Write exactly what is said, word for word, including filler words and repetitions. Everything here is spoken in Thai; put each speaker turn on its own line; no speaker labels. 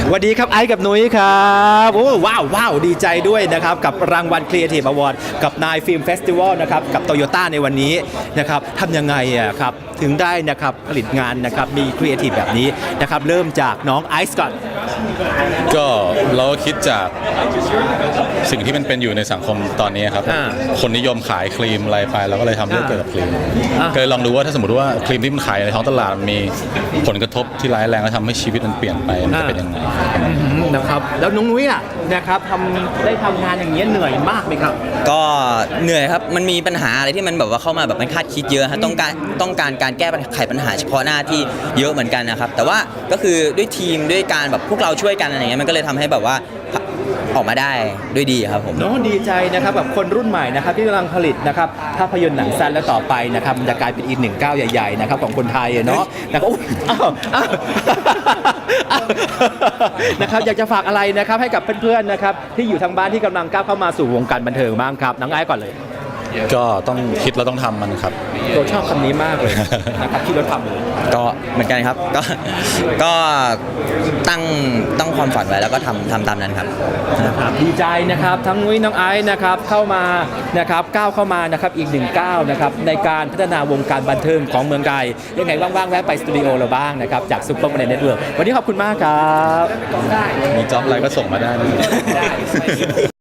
สวัสดีครับไอซ์กับนุ้ยครับโอ้ว้าวว้าวดีใจด้วยนะครับกับรางวัล Creative Award กับนายฟิล์มเฟสติวัลนะครับกับโตโยต้าในวันนี้นะครับทำยังไงอะครับถึงได้นะครับผลิตงานนะครับมีครีเอทีฟแบบนี้นะครับเริ่มจากน้องไอซ์ก่อน
ก็เราก็คิดจากสิ่งที่มันเป็นอยู่ในสังคมตอนนี้ครับ
อ่า
คนนิยมขายครีมอะไรไปเราก็เลยทำเรื่องเกี่ยวกับครีม
อ่า
ก็เลยลองดูว่าถ้าสมมติว่าครีมที่มันขายในท้องตลาดมันมีผลกระทบที่ร้ายแรงและทำให้ชีวิตมันเปลี่ยนไปมันจะเป็นยังไง
อืมนะครับแล้วน้องนุ้ยอ่ะนะครับทำได้ทำงานอย่างเงี้ยเหนื่อยมากไหมครับ
ก็เหนื่อยครับ มันมีปัญหาอะไรที่มันแบบว่าเข้ามาแบบมันคาดคิดเยอะฮะต้องการต้องการการแก้ปัญหาไขปัญหาเฉพาะหน้าที่เยอะเหมือนกันนะครับ แต่ว่าก็คือด้วยทีมด้วยการแบบพวกเราช่วยกันอะไรเงี้ยมันก็เลยทำให้แบบว่าออกมาได้ด้วยดีครับผม
น้องดีใจนะครับแบบคนรุ่นใหม่นะครับที่กำลังผลิตนะครับภาพยนตร์หนังสั้นและต่อไปนะครับมันจะกลายเป็นอีกหนึ่งก้าวใหญ่ๆนะครับของคนไทยอะเนาะนะครับอุ๊ยอ้าวอ้าวอ้าวนะครับอยากจะฝากอะไรนะครับให้กับเพื่อนๆนะครับที่อยู่ทางบ้านที่กำลังก้าวเข้ามาสู่วงการบันเทิงบ้างครับน้องไอ้ก่อนเลย
ก็ต้องคิดแล้วต้องทำมันครับ
เราชอบคำนี้มากเลยนะครับที่เราทำเลย
ก็เหมือนกันครับ ก็ก็ตั้งตั้งความฝันไว้แล้วก็ทำทำตามนั้นครับ
นะครับดีใจนะครับทั้งนุ้ยน้องไอซ์นะครับเข้ามานะครับก้าวเข้ามานะครับอีกหนึ่งก้าวนะครับในการพัฒนาวงการบันเทิงของเมืองไทยยังไงว่างๆแวะไปสตูดิโอเราบ้างนะครับจากซุปเปอร์มาร์เก็ตเน็ตเวิร์กวันนี้ขอบคุณมากครับ
มีจ็อบอะไรก็ส่งมาได้นะ